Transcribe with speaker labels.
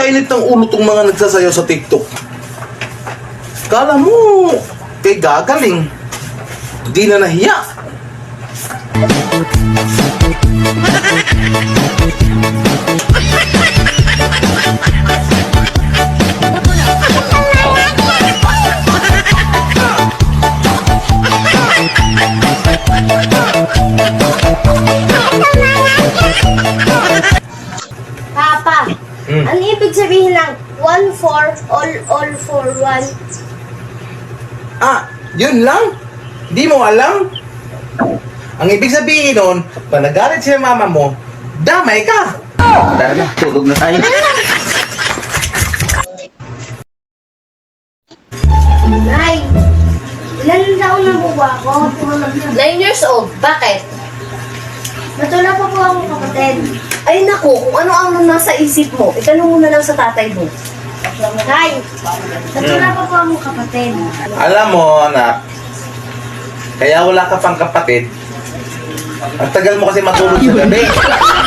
Speaker 1: Nakakainit ng ulo tong mga nagsasayaw sa TikTok. Kala mo, kay gagaling. Di na nahiya.
Speaker 2: Papa, ano ibig sabihin ng 1-4 all for 1?
Speaker 1: Ah, yun lang? Di mo alam? Ang ibig sabihin nun, pag nagalit si mama mo, damay ka.
Speaker 3: Tara na, tulog na tayo.
Speaker 2: Nay, ilan taon na po ba ako?
Speaker 4: 9 years old. Bakit?
Speaker 2: Natula pa po akong kapatid.
Speaker 4: Ay naku, kung ano ang nasa isip mo, itanong mo na lang sa tatay mo.
Speaker 2: Nay, natula pa po akong kapatid.
Speaker 1: Alam mo, anak, kaya wala ka pang kapatid. Ang tagal mo kasi matulog sa gabi.